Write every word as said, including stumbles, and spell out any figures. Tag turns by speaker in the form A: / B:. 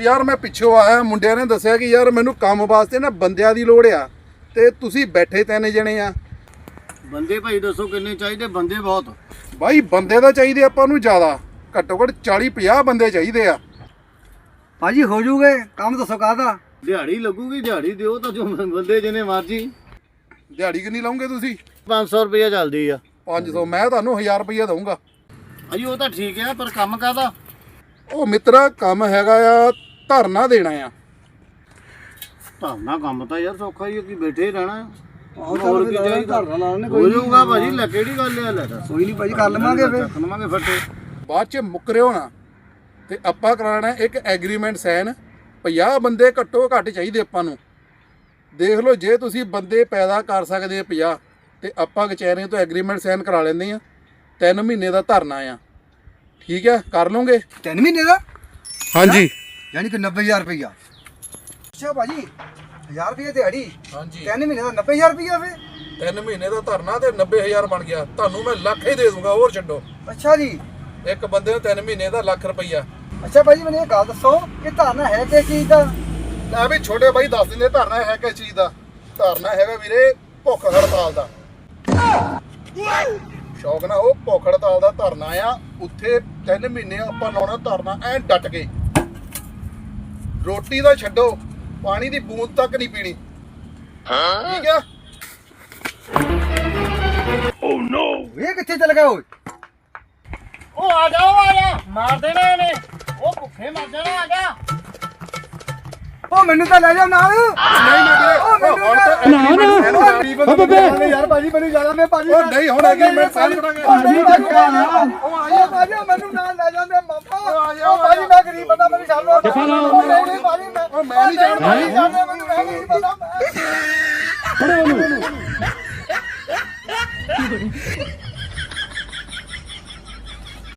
A: ਯਾਰ ਮੈਂ ਪਿੱਛੋਂ ਆਇਆ, ਮੁੰਡਿਆਂ ਨੇ ਦੱਸਿਆ ਕਿ ਯਾਰ ਮੈਨੂੰ ਕੰਮ ਵਾਸਤੇ ਨਾ ਬੰਦਿਆਂ ਦੀ ਲੋੜ ਆ ਤੇ ਤੁਸੀਂ ਬੈਠੇ ਤਿੰਨ ਜਣੇ ਆ।
B: ਬੰਦੇ ਭਾਈ ਦੱਸੋ ਕਿੰਨੇ ਚਾਹੀਦੇ? ਬੰਦੇ ਬਹੁਤ
A: ਬਾਈ ਬੰਦੇ ਤਾਂ ਚਾਹੀਦੇ ਆਪਾਂ ਨੂੰ ਜ਼ਿਆਦਾ, ਘੱਟੋ ਘੱਟ ਚਾਲੀ ਪੰਜਾਹ ਬੰਦੇ ਚਾਹੀਦੇ ਆ।
C: ਭਾਜੀ ਹੋ ਜੂਗੇ, ਕੰਮ ਦੱਸੋ ਕਾਹਦਾ?
B: ਦਿਹਾੜੀ ਲੱਗੂਗੀ, ਦਿਹਾੜੀ ਦਿਓ ਤਾਂ ਜੋ ਬੰਦੇ ਜਿੰਨੇ ਮਰਜੀ।
A: ਦਿਹਾੜੀ ਕਿੰਨੀ ਲਾਉਂਗੇ ਤੁਸੀਂ?
B: ਪੰਜ ਸੌ ਰੁਪਇਆ ਚੱਲਦੀ ਆ।
A: ਪੰਜ ਸੌ ਮੈਂ ਤੁਹਾਨੂੰ ਹਜ਼ਾਰ ਰੁਪਈਆ ਦਊਂਗਾ।
B: ਅਜੀ ਉਹ ਤਾਂ ਠੀਕ ਆ, ਪਰ ਕੰਮ ਕਾਹਦਾ?
A: ਉਹ ਮਿੱਤਰਾ ਕੰਮ ਹੈਗਾ ਆ ਧਰਨਾ ਦੇਣਾ ਆ।
B: ਧਰਨਾ ਕੰਮ ਤਾਂ ਯਾਰ ਸੌਖਾ ਹੀ ਆ, ਕੀ ਬੈਠੇ ਹੀ ਰਹਿਣਾ।
C: ਹੋਰ ਕੀ ਚਾਹੀਦਾ?
B: ਹੋ ਜਾਊਗਾ ਭਾਜੀ, ਲੈ ਕਿਹੜੀ ਗੱਲ ਆ, ਲੈ ਦੱਸ।
C: ਕੋਈ ਨਹੀਂ ਭਾਜੀ ਕਰ ਲਵਾਂਗੇ ਫਿਰ।
B: ਚੱਕ ਲਵਾਂਗੇ ਫੱਟੇ।
A: ਬਾਅਦ ਚ ਮੁੱਕਰਿਓ ਨਾ ਤੇ ਆਪਾਂ ਕਰਾਣਾ ਇੱਕ ਐਗਰੀਮੈਂਟ ਸਾਈਨ। ਪੰਜਾਹ ਬੰਦੇ ਘੱਟੋ ਘੱਟ ਚਾਹੀਦੇ ਆਪਾਂ ਨੂੰ। ਦੇਖ ਲਓ ਜੇ ਤੁਸੀਂ ਬੰਦੇ ਪੈਦਾ ਕਰ ਸਕਦੇ ਆ ਪੰਜਾਹ ਤੇ ਆਪਾਂ ਕਚਹਿਰੀਆਂ ਤੋਂ ਐਗਰੀਮੈਂਟ ਸਾਈਨ ਕਰਾ ਲੈਂਦੇ ਆ। ਤਿੰਨ ਮਹੀਨੇ ਦਾ ਧਰਨਾ ਆ, ਠੀਕ ਹੈ? ਕਰ ਲਓਗੇ?
C: ਤਿੰਨ ਮਹੀਨੇ ਦਾ?
A: ਹਾਂਜੀ।
C: ਯਾਨੀ ਕਿ ਨੱਬੇ ਹਜ਼ਾਰ ਰੁਪਈਆ। ਅੱਛਾ ਭਾਜੀ ਹਜ਼ਾਰ ਰੁਪਈਆ ਦਿਹਾੜੀ,
A: ਹਾਂਜੀ
C: ਤਿੰਨ ਮਹੀਨੇ ਦਾ ਨੱਬੇ ਹਜ਼ਾਰ ਰੁਪਈਆ ਵੇ।
A: ਤਿੰਨ ਮਹੀਨੇ ਦਾ ਧਰਨਾ ਤੇ ਨੱਬੇ ਹਜ਼ਾਰ ਬਣ ਗਿਆ। ਤੁਹਾਨੂੰ ਮੈਂ ਲੱਖ ਹੀ ਦੇ ਦੂੰਗਾ, ਹੋਰ ਛੱਡੋ।
C: ਅੱਛਾ ਜੀ,
A: ਇੱਕ ਬੰਦੇ ਨੂੰ ਤਿੰਨ ਮਹੀਨੇ ਦਾ ਲੱਖ ਰੁਪਈਆ।
C: ਅੱਛਾ ਭਾਜੀ ਮੈਨੂੰ ਇਹ ਗੱਲ ਦੱਸੋ ਕਿ ਧਰਨਾ ਹੈ ਕਿਸ ਚੀਜ਼ ਦਾ?
A: ਲੈ ਵੀ ਛੋਟੇ ਬਾਈ ਦੱਸ ਦਿੰਦੇ ਧਰਨਾ ਹੈ ਕਿਸ ਚੀਜ਼ ਦਾ। ਧਰਨਾ ਹੈਗਾ ਵੀਰੇ ਭੁੱਖ ਹੜਤਾਲ ਦਾ। ਸ਼ੌਕ ਨਾ ਉਹ ਭੁੱਖ ਹੜਤਾਲ ਦਾ ਧਰਨਾ ਆ। ਉੱਥੇ ਤਿੰਨ ਮਹੀਨੇ ਆਪਾਂ ਲਾਉਣਾ ਧਰਨਾ ਐ ਡਟ ਕੇ। ਰੋਟੀ ਦਾ ਛੱਡੋ, ਪਾਣੀ ਦੀ ਬੂੰਦ ਤੱਕ ਨਹੀਂ ਪੀਣੀ, ਠੀਕ ਆ?
C: ਓ ਨੋ, ਇਹ ਕਿੱਥੇ ਚਲ ਗਿਆ ਓਏ?
B: ਉਹ ਆ ਜਾ, ਉਹ ਆ ਜਾ, ਮਾਰ ਦੇਣਾ ਇਹਨੇ। ਉਹ ਭੁੱਖੇ ਮਰ ਜਾਣਾ, ਆ ਜਾ।
C: ਓ ਮੈਨੂੰ ਤਾਂ ਲੈ ਜਾ ਨਾਲ।
A: ਨਹੀਂ ਨਾ ਵੀਰੇ,
C: ਉਹ ਮੈਨੂੰ
A: ਹੁਣ ਤਾਂ
C: ਨਾ
A: agreement sign
C: ਨਾ ਯਾਰ ਭਾਜੀ ਮੈਨੂੰ ਜਾਣਾ, ਮੈਂ ਭਾਜੀ
A: ਉਹ ਨਹੀਂ ਹੁਣ ਐਗਰੀਮੈਂਟ ਸਾਈਨ ਕਰਾਂਗੇ।
C: ਭਾਜੀ ਧੱਕਾ ਨਾ। ਉਹ ਆ ਜਾ ਭਾਜੀ, ਮੈਨੂੰ ਨਾਲ ਲੈ ਜਾਂਦੇ ਮਾਮਾ। ਉਹ ਭਾਜੀ ਮੈਂ ਗਰੀਬ ਬੰਦਾ, ਮੈਨੂੰ ਛੱਡ ਲਓ। ਨਹੀਂ ਨਹੀਂ ਭਾਜੀ ਮੈਂ
A: ਉਹ ਮੈਂ ਨਹੀਂ ਜਾਣਦਾ।
C: ਭਾਜੀ ਜਾਣਦੇ ਮੈਨੂੰ, ਮੈਂ ਗਰੀਬ ਬੰਦਾ।
D: ਫੜੋ ਉਹਨੂੰ।